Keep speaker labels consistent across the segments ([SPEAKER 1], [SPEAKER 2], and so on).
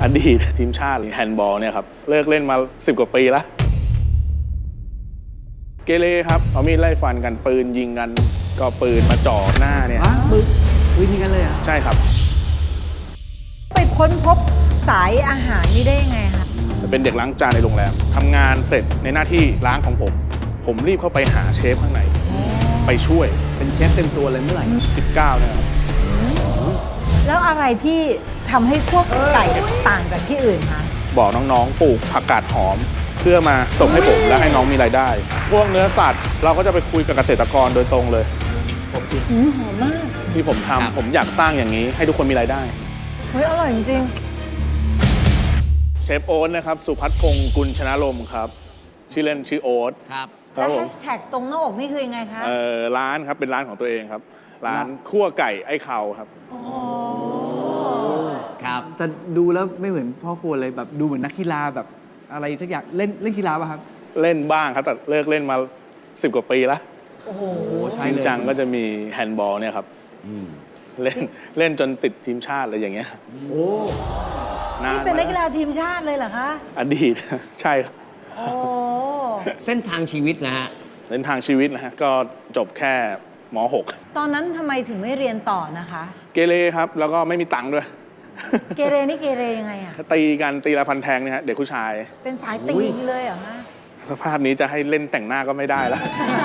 [SPEAKER 1] อดีตทีมชาติแฮนด์บอลเนี่ยครับเลิกเล่นมา10 กว่าปีแล้วเกเรครับเอามีดไล่ฟันกันปืนยิงกันก็ปืนมาจ่อหน้าเนี่ย
[SPEAKER 2] ปืนยิงกันเลยอ่ะ
[SPEAKER 1] ใช่ครับ
[SPEAKER 3] ไปค้นพบสายอาหารนี่ได้ยังไงคะ
[SPEAKER 1] เป็นเด็กล้างจานในโรงแรมทำงานเสร็จในหน้าที่ล้างของผมรีบเข้าไปหาเชฟข้างในไปช่วย
[SPEAKER 2] เป็นเชฟเต็มตัวเลยเมื่อไหร่
[SPEAKER 1] 19เนี่ยครับ
[SPEAKER 3] แล้วอะไรที่ทำให้พวกไก่ต่างจากที่อื่นคะ
[SPEAKER 1] บอกน้องๆปลูกผักกาดหอมเพื่อมาส่งให้ผมและให้น้องมีรายได้พวกเนื้อสัตว์เราก็จะไปคุยกับเกษตรกรโดยตรงเลย
[SPEAKER 3] หอมมาก
[SPEAKER 1] ที่ผมทำผมอยากสร้างอย่างนี้ให้ทุกคนมีรายได้
[SPEAKER 3] เฮ้ยอร่อยจริง
[SPEAKER 1] เชฟโอ๊ตนะครับสุพัฒน์พงศ์กุลชนะลมครับชื่อเล่นชื่อโอ๊ต
[SPEAKER 3] ครับแล้วแฮชแท็กตรงหน้าอกนี่คือยังไงคะ
[SPEAKER 1] ร้านครับเป็นร้านของตัวเองครับร้านคั่วไก่ไอ้เข่าครับ
[SPEAKER 3] โอ้
[SPEAKER 2] ครับแต่ดูแล้วไม่เหมือนพ่อครัวเลยแบบดูเหมือนนักกีฬาแบบอะไรสักอย่างเล่นกีฬาป่ะครับ
[SPEAKER 1] เล่นบ้างครับแต่เลิกเล่นมา10 กว่าปีแล้ว
[SPEAKER 3] โอ้โห
[SPEAKER 1] จริงจังก็จะมีแฮนด์บอลเนี่ยครับเล่นจนติดทีมชาติอะไรอย่างเงี้ย
[SPEAKER 2] โอ้
[SPEAKER 3] นี่เป็นนักกีฬาทีมชาติเลยเหรอคะ
[SPEAKER 1] อดีตใช่ครับ
[SPEAKER 3] โอ้
[SPEAKER 4] เส้นทางชีวิตนะฮะ
[SPEAKER 1] เส้นทางชีวิตนะฮะก็จบแค่ม.6
[SPEAKER 3] ตอนนั้นทำไมถึงไม่เรียนต่อนะคะ
[SPEAKER 1] เกเรครับแล้วก็ไม่มีตังค์ด้วย
[SPEAKER 3] เกเรนี่เกเรยังไงอะ
[SPEAKER 1] ตีกันตีละฟันแทงเนี่ยฮะเด็กผู้ชาย
[SPEAKER 3] เป็นสายตีเลยเหรอฮะ
[SPEAKER 1] สภาพนี้จะให้เล่นแต่งหน้าก็ไม่ได้แล้ว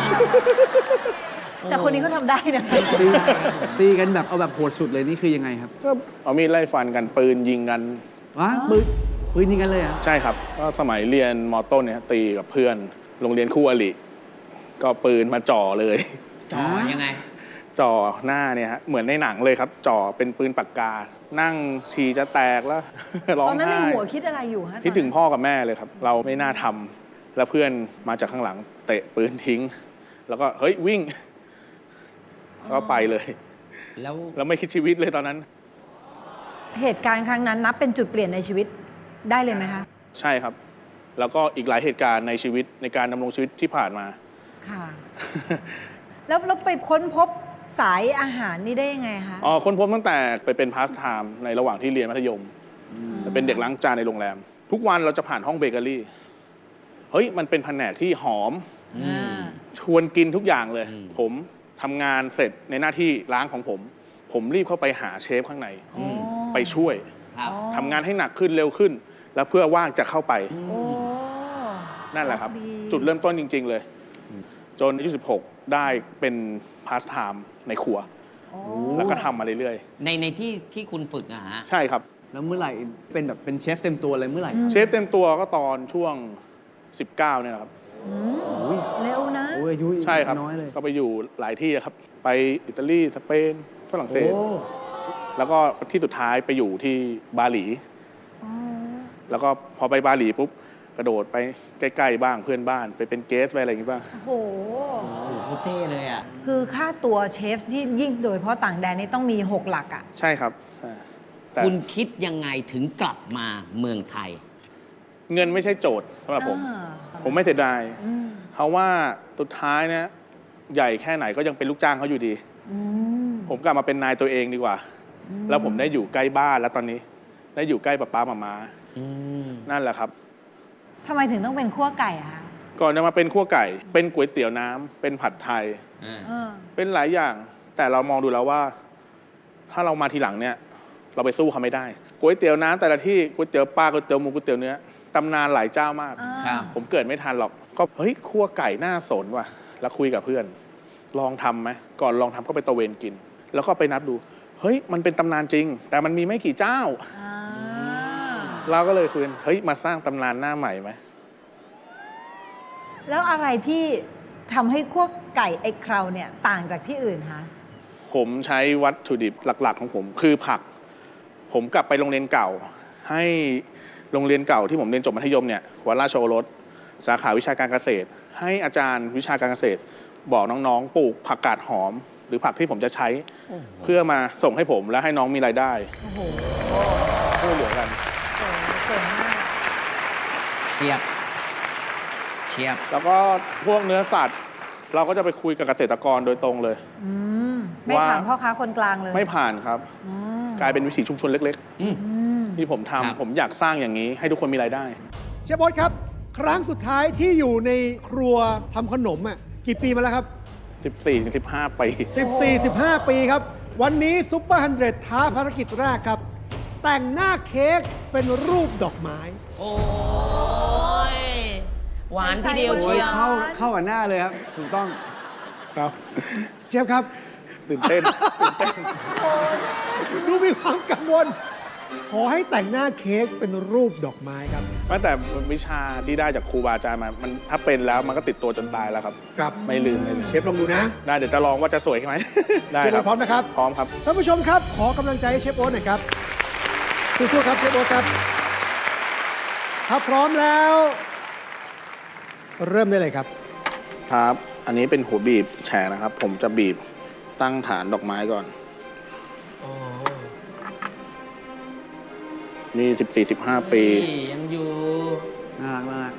[SPEAKER 3] แต่คนนี้เขาทำได้นะ
[SPEAKER 2] ตีกันแบบเอาแบบโหดสุดเลยนี่คือยังไงครับ
[SPEAKER 1] ก็เอามีดไล่ฟันกันปืนยิงกัน
[SPEAKER 2] ปืนยิงกันเลยอ่ะ
[SPEAKER 1] ใช่ครับก็สมัยเรียนม.ต้นเนี่ยตีกับเพื่อนโรงเรียนคู่อริก็ปืนมาจ่อเลย
[SPEAKER 4] จ่อยังไง
[SPEAKER 1] จ่อหน้าเนี่ยฮะเหมือนในหนังเลยครับจ่อเป็นปืนปากกานั่งฉี่จะแตกแล้วร้องไห้
[SPEAKER 3] ตอนนั้นในหัวคิดอะไรอยู่ฮะ
[SPEAKER 1] คิดถึงพ่อกับแม่เลยครับเราไม่น่าทำแล้วเพื่อนมาจากข้างหลังเตะปืนทิ้งแล้วก็เฮ้ยวิ่งก็ไปเลยแล้วไม่คิดชีวิตเลยตอนนั้น
[SPEAKER 3] เหตุการณ์ครั้งนั้นนับเป็นจุดเปลี่ยนในชีวิตได้เลยไหมคะ
[SPEAKER 1] ใช่ครับแล้วก็อีกหลายเหตุการณ์ในชีวิตในการดำรงชีวิตที่ผ่านมา
[SPEAKER 3] ค่ะแล้วไปค้นพบสายอาหารนี่ได้ยังไงคะ
[SPEAKER 1] ค้นพบตั้งแต่ไปเป็นพาสไทม์ในระหว่างที่เรียนมัธยมเป็นเด็กล้างจานในโรงแรมทุกวันเราจะผ่านห้องเบเกอรี่เฮ้ยมันเป็นแผนกที่หอมชวนกินทุกอย่างเลยผมทำงานเสร็จในหน้าที่ล้างของผมรีบเข้าไปหาเชฟข้างในไปช่วยทำงานให้หนักขึ้นเร็วขึ้นแล้วเพื่อว่างจะเข้าไปนั่นแหละครับจุดเริ่มต้นจริงๆเลยจนอายุ16ได้เป็นพาสไทม์ในครัวแล้วก็ทำมาเรื่อย
[SPEAKER 4] ๆในที่คุณฝึกอะฮะ
[SPEAKER 1] ใช่ครับ
[SPEAKER 2] แล้วเมื่อไหร่เป็นแบบเป็นเชฟเต็มตัวเลยเมื่อไหร่
[SPEAKER 1] เชฟเต็มตัวก็ตอนช่วง19เนี่ยนะครับ
[SPEAKER 3] เร็วนะ
[SPEAKER 1] ใช่ครับก็ไปอยู่หลายที่ครับไปอิตาลีสเปนฝรั่งเศสแล้วก็ที่สุดท้ายไปอยู่ที่บาหลีแล้วก็พอไปบาหลีปุ๊บกระโดดไปใกล้ๆบ้างเพื่อนบ้านไปเป็นเกสไปอะไรอย่างงี้บ้าง
[SPEAKER 3] โอ้โห
[SPEAKER 4] เท่เลยอ่ะ
[SPEAKER 3] คือค่าตัวเชฟที่ยิ่งโดยเฉพาะต่างแดนนี่ต้องมี6 หลักอ่ะ
[SPEAKER 1] ใช่ครับ
[SPEAKER 4] คุณคิดยังไงถึงกลับมาเมืองไทย
[SPEAKER 1] เงินไม่ใช่โจทย์สำหรับผมไม่เสียดายเพราะว่าสุดท้ายเนี่ยใหญ่แค่ไหนก็ยังเป็นลูกจ้างเขาอยู่ดีผมกลับมาเป็นนายตัวเองดีกว่าแล้วผมได้อยู่ใกล้บ้านแล้วตอนนี้ได้อยู่ใกล้ป้าหม่านั่นแหละครับ
[SPEAKER 3] ทำไมถึงต้องเป็นคั่วไก่อะคะ
[SPEAKER 1] ก่อนจะมาเป็นคั่วไก่เป็นก๋วยเตี๋ยวน้ำเป็นผัดไทยเป็นหลายอย่างแต่เรามองดูแล้วว่าถ้าเรามาทีหลังเนี่ยเราไปสู้เขาไม่ได้ก๋วยเตี๋ยวน้ำแต่ละที่ก๋วยเตี๋ยวปลาก๋วยเตี๋ยวหมูก๋วยเตี๋ยวเนื้อตำนานหลายเจ้ามากผมเกิดไม่ทันหรอกก็เฮ้ยคั่วไก่น่าสนว่ะแล้วคุยกับเพื่อนลองทำไหมก่อนลองทำก็ไปตะเวนกินแล้วก็ไปนับดูเฮ้ยมันเป็นตำนานจริงแต่มันมีไม่กี่เจ้าเราก็เลยคุยเฮ้ยมาสร้างตำนานหน้าใหม่ไหม
[SPEAKER 3] แล้วอะไรที่ทำให้คั่วไก่ไอ้เคราเนี่ยต่างจากที่อื่นคะ
[SPEAKER 1] ผมใช้วัตถุดิบหลักๆของผมคือผักผมกลับไปโรงเรียนเก่าให้โรงเรียนเก่าที่ผมเรียนจบมัธยมเนี่ยวัดราชโอรสสาขาวิชาการเกษตรให้อาจารย์วิชาการเกษตรบอกน้องๆปลูกผักกาดหอมหรือผักที่ผมจะใช้เพื่อมาส่งให้ผมและให้น้องมีรายได้ช่วยเหลือกัน
[SPEAKER 3] เก่งมาก
[SPEAKER 4] เชียบ
[SPEAKER 1] แล้วก็พวกเนื้อสัตว์เราก็จะไปคุยกับเกษตรกรโดยตรงเลย
[SPEAKER 3] ไม่ผ่านพ่อค้าคนกลางเลย
[SPEAKER 1] ไม่ผ่านครับกลายเป็นวิถีชุมชนเล็กที่ผมทำผมอยากสร้างอย่างนี้ให้ทุกคนมีรายได้
[SPEAKER 5] เชฟโอ๊ตครับ ครั้งสุดท้ายที่อยู่ในครัวทำขนมอ่ะกี่ปีมาแล้วครับ
[SPEAKER 1] 14-15 ปี
[SPEAKER 5] 14-15 ปีครับ วันนี้ซุปเปอร์100ท้าภารกิจแรกครับ แต่งหน้าเค้กเป็นรูปดอกไม้
[SPEAKER 4] โอ้ย หวานทีเดียว
[SPEAKER 2] โอ้
[SPEAKER 4] เชี
[SPEAKER 2] ย
[SPEAKER 4] ยว
[SPEAKER 2] เข้ากับหน้าเลยครับ ถูกต้อง
[SPEAKER 1] ครับ
[SPEAKER 5] เชฟครับ
[SPEAKER 1] ตื่นเต้น
[SPEAKER 5] ดูมีความกังวล ขอให้แต่งหน้าเค้กเป็นรูปดอกไม้ครับ
[SPEAKER 1] แต่วิชาที่ได้จากครูบาอาจารย์มามันถ้าเป็นแล้วมันก็ติดตัวจนตายแล้วครับ
[SPEAKER 5] ครับ
[SPEAKER 1] ไม่ลืมเลย
[SPEAKER 5] เชฟลองดูนะ
[SPEAKER 1] ได้เดี๋ยวจะลองว่าจะสวยไหม ได้
[SPEAKER 5] เชฟ
[SPEAKER 1] ค
[SPEAKER 5] โอ๊
[SPEAKER 1] รับ
[SPEAKER 5] ตพร้อมนะครับ
[SPEAKER 1] พร้อมครับ
[SPEAKER 5] ท่านผู้ชมครับ ขอกำลังใจให้เชฟโอ๊ตหน่อยครับสู้ๆครับเชฟโอ๊ตครับถ้าพร้อมแล้ว เริ่มได้เลยครับ
[SPEAKER 1] ครับ อันนี้เป็นหัวบีบแฉกนะครับ ผมจะบีบตั้งฐานดอกไม้ก่อน
[SPEAKER 5] อ๋อ
[SPEAKER 1] นี่ 14-15 ปี
[SPEAKER 4] ยังอยู่
[SPEAKER 2] น่ารักน่ารัก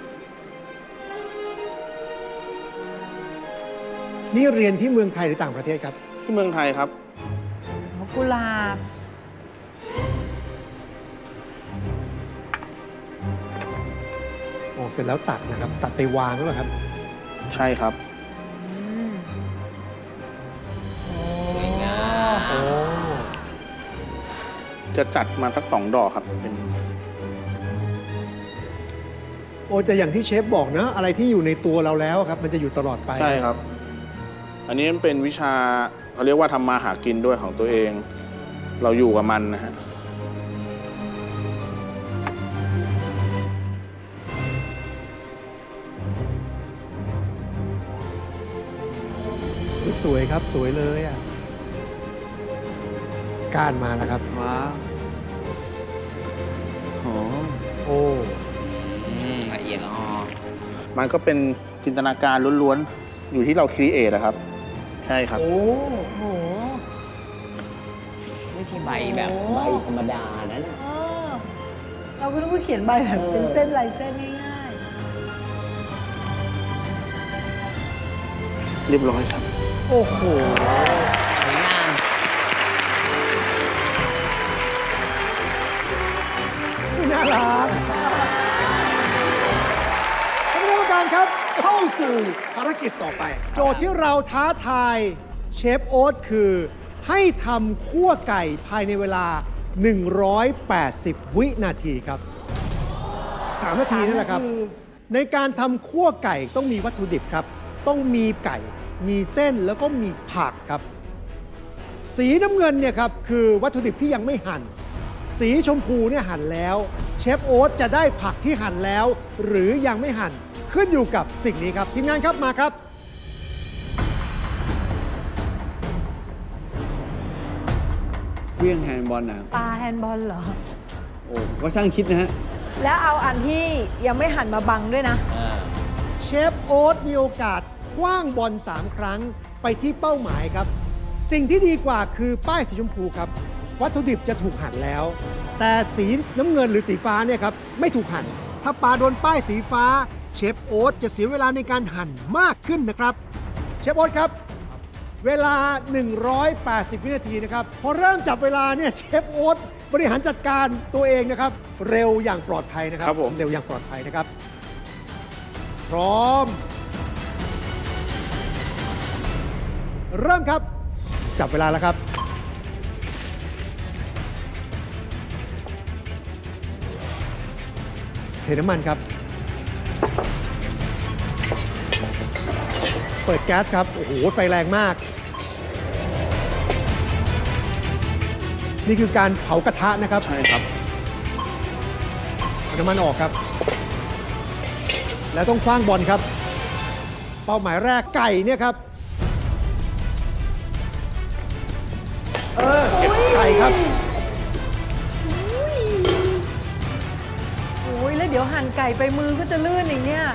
[SPEAKER 5] นี่เรียนที่เมืองไทยหรือต่างประเทศครับ
[SPEAKER 1] ที่เมืองไทยครับ
[SPEAKER 3] กุหลาบ
[SPEAKER 5] อ๋อ เสร็จแล้วตัดนะครับ ตัดไปวางแล้วเหรอครับ
[SPEAKER 1] ใช่ครับ
[SPEAKER 4] สวยงาม
[SPEAKER 5] อ๋อ
[SPEAKER 1] จะจัดมาสัก2 ดอกครับเป็น
[SPEAKER 5] โอ้แต่อย่างที่เชฟบอกนะ อะไรที่อยู่ในตัวเราแล้วครับ มันจะอยู่ตลอดไป
[SPEAKER 1] ใช่ครับ อันนี้มันเป็นวิชาเขาเรียกว่าทำมาหากินด้วยของตัวเอง เราอยู่กับมันนะฮะ
[SPEAKER 5] สวยครับ สวยเลยอ่ะ การมาแล้วครับ
[SPEAKER 2] ว้าวโอ้
[SPEAKER 5] โอ้
[SPEAKER 4] ละเอียดละออ
[SPEAKER 1] มันก็เป็นจินตนาการล้วนๆ อยู่ที่เราครีเอทนะครับ ใช่ครับ
[SPEAKER 5] โอ้
[SPEAKER 3] โอ้โห
[SPEAKER 4] ไม่ใช่ใบแบบ
[SPEAKER 3] โอ้
[SPEAKER 4] ใบธรรมดานั้น
[SPEAKER 3] เออเราก็ต้องเขียนใบแบบเป็นเส้นลายเส้นง่าย
[SPEAKER 1] เรียบร้อยครับ
[SPEAKER 5] โอ้โห
[SPEAKER 4] สวยงาม
[SPEAKER 5] น่ารักท่านผู้กรรมการครับ เข้าสู่ภารกิจต่อไป โจทย์ที่เราท้าทายเชฟโอ๊ตคือ ให้ทำคั่วไก่ภายในเวลา 180 วินาทีครับ 3 นาทีนั่นแหละครับ ในการทำคั่วไก่ต้องมีวัตถุดิบครับ ต้องมีไก่ มีเส้นแล้วก็มีผักครับ สีน้ำเงินเนี่ยครับคือวัตถุดิบที่ยังไม่หั่น สีชมพูเนี่ยหั่นแล้ว เชฟโอ๊ตจะได้ผักที่หั่นแล้ว หรือยังไม่หั่นขึ้นอยู่กับสิ่งนี้ครับทีมงานครับมาครับ
[SPEAKER 2] เครื่องแฮนด์บอลนะ
[SPEAKER 3] ๆ ปลาแฮนด์บอลเหรอ
[SPEAKER 2] โอ้ก็ช่างคิดนะฮะ
[SPEAKER 3] แล้วเอาอันที่ยังไม่หันมาบังด้วยนะ
[SPEAKER 5] เชฟโอ๊ตมีโอกาสคว้างบอล3 ครั้งไปที่เป้าหมายครับ สิ่งที่ดีกว่าคือป้ายสีชมพูครับ วัตถุดิบจะถูกหั่นแล้ว แต่สีน้ำเงินหรือสีฟ้าเนี่ยครับไม่ถูกหั่น ถ้าปลาโดนป้ายสีฟ้า เชฟโอ๊ตจะเสียเวลาในการหั่นมากขึ้นนะครับ เชฟโอ๊ตครับ เวลา 180 วินาทีนะครับ พอเริ่มจับเวลาเนี่ยเชฟโอ๊ตบริหารจัดการตัวเองนะครับ เร็วอย่างปลอดภัยนะครับ
[SPEAKER 1] ครับผม
[SPEAKER 5] เร็วอย่างปลอดภัยนะครับ พร้อม เริ่มครับ จับเวลาแล้วครับ เทน้ำมันครับ เปิดแก๊สครับ โอ้โห ไฟแรงมาก นี่คือการเผากระทะนะครับ
[SPEAKER 1] ใช่ครับ
[SPEAKER 5] เอาน้ำมันออกครับ แล้วต้องคว้างบอลครับ เป้าหมายแรกไก่เนี่ยครับ เก็บไก่ครับ
[SPEAKER 3] โอ้ยแล้วเดี๋ยวหั่นไก่ไปมือก็จะลื่นอย่างเนี้ย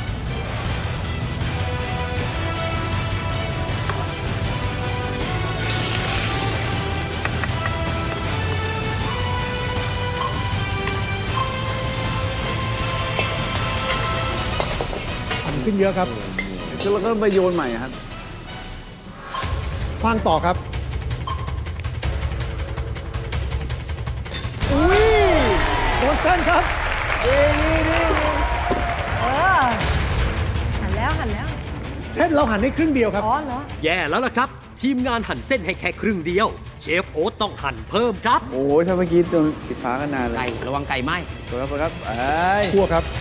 [SPEAKER 5] ขึ้นเยอะครับ
[SPEAKER 2] แล้วก็ไปโยนใหม่ครับ
[SPEAKER 5] คว้างต่อครับ อุ้ยน้องเต้นครับ
[SPEAKER 3] เออ หันแล้วหันแล้ว
[SPEAKER 5] เส้นเราหั่นให้ครึ่งเดียวครับ
[SPEAKER 3] อ๋อเหรอ
[SPEAKER 6] แย่แล้วล่ะครับ ทีมงานหั่นเส้นให้แค่ครึ่งเดียว เชฟโอ๊ตต้องหั่นเพิ่มครับ
[SPEAKER 2] โอ้ยถ้าเมื่อกี้โดนปิดฟ้ากันนานเล
[SPEAKER 4] ไก่
[SPEAKER 2] ย
[SPEAKER 4] ระวังไก่ไหม
[SPEAKER 2] สวยครับเอ้ย
[SPEAKER 5] คั่วครับ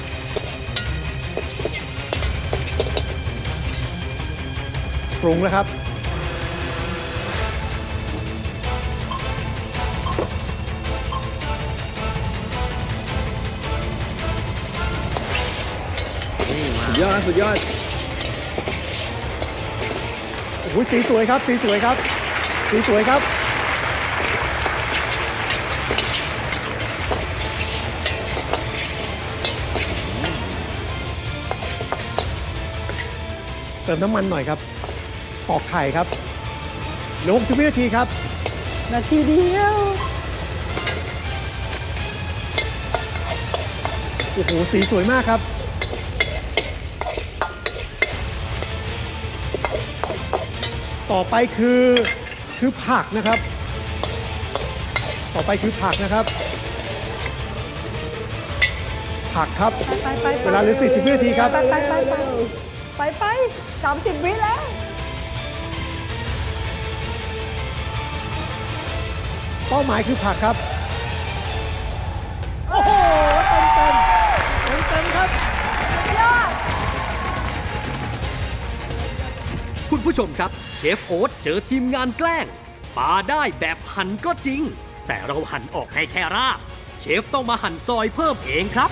[SPEAKER 5] ปรุงแล้วครับ
[SPEAKER 4] นี่มา
[SPEAKER 2] สุดยอดสุดยอด
[SPEAKER 5] โอ้โหสีสวยครับ สีสวยครับ สีสวยครับ เติมน้ำมันหน่อยครับปอกไข่ครับเหลือ60 วินาทีครับ
[SPEAKER 3] นาทีเดียว
[SPEAKER 5] โอ้โห สีสวยมากครับ ต่อไปคือผักนะครับ ต่อไปคือผักนะครับ ผักครับ
[SPEAKER 3] ไป
[SPEAKER 5] เวลาเหลือ40 วินาทีครับ
[SPEAKER 3] ไป30 วิแล้ว
[SPEAKER 5] เป้าหมายคือผักครับ โอ้โห เต็มครับ
[SPEAKER 6] คุณผู้ชมครับ เชฟโอ๊ตเจอทีมงานแกล้งปาได้แบบหั่นก็จริง แต่เราหั่นออกให้แค่ราบ เชฟต้องมาหั่นซอยเพิ่มเองครับ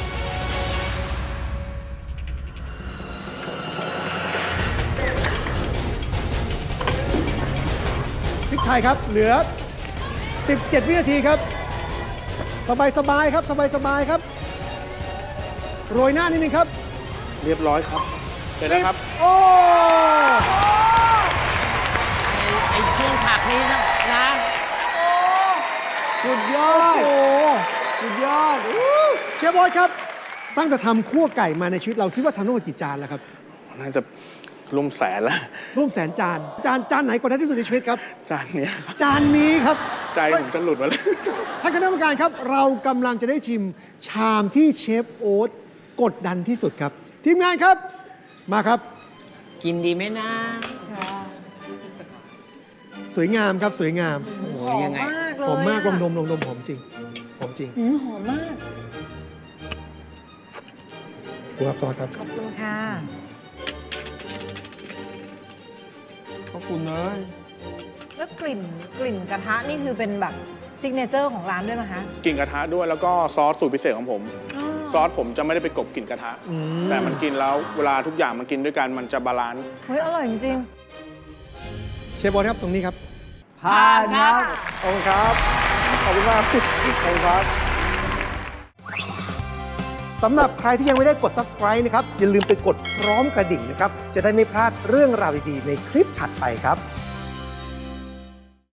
[SPEAKER 5] พริกไทยครับ เหลือ 17 วินาทีครับ สบายๆครับ สบายๆครับ โรยหน้านิดนึงครับ
[SPEAKER 1] เรียบร้อยครับเสร็จแล้วครับ
[SPEAKER 5] โอ้
[SPEAKER 4] ไอ้ช่วงผักนี้นะ
[SPEAKER 2] สุดยอด
[SPEAKER 5] โอ้
[SPEAKER 2] สุดยอด
[SPEAKER 5] เชฟบอยครับ ตั้งแต่ทำคั่วไก่มาในชีวิตเราคิดว่าทำทั้งหมดกี่จานแล้วครับ
[SPEAKER 1] น่าจะรวมแสนแล้ว
[SPEAKER 5] ร่วมแสนจาน จานไหนกดดันที่สุดในชีวิตครับ
[SPEAKER 1] จานเนี้ยครับ
[SPEAKER 5] จานนี้ครับ
[SPEAKER 1] ใจผมจะหลุดมาเลย
[SPEAKER 5] ท่านคณะกรรมการครับ เรากำลังจะได้ชิมชามที่เชฟโอ๊ตกดดันที่สุดครับ ทีมงานครับ มาครับ
[SPEAKER 4] กินดีไหมนะ
[SPEAKER 5] สวยงามครับสวยงาม
[SPEAKER 4] โอ้โห
[SPEAKER 3] หอม
[SPEAKER 4] ยังไง
[SPEAKER 3] มากเลย
[SPEAKER 5] หอมมากล
[SPEAKER 3] อะ
[SPEAKER 5] องดมหอมจริงหอมจริง
[SPEAKER 3] หอมมาก
[SPEAKER 5] ครูครับซอสครับ
[SPEAKER 3] ขอบคุณค่ะ
[SPEAKER 2] ขอบคุณเลย
[SPEAKER 3] แล้วกลิ่นกระทะนี่คือเป็นแบบซิกเนเจอร์ของร้านด้วยไหมคะ
[SPEAKER 1] กลิ่นกระทะด้วยแล้วก็ซอสสูตรพิเศษของผม ซอสผมจะไม่ได้ไปกลบกลิ่นกระทะ แต่มันกินแล้วเวลาทุกอย่างมันกินด้วยกันมันจะบาลานซ์
[SPEAKER 3] เฮ้ย อร่อยจริง
[SPEAKER 5] เชฟบอลครับตรงนี้ครับ
[SPEAKER 2] ผ่านครับ
[SPEAKER 1] ขอบคุณครับ ขอบคุณมาก ขอบคุณครับ
[SPEAKER 5] สำหรับใครที่ยังไม่ได้กด subscribe นะครับ อย่าลืมไปกดพร้อมกระดิ่งนะครับ จะได้ไม่พลาดเรื่องราวดีๆในคลิปถัดไปครับ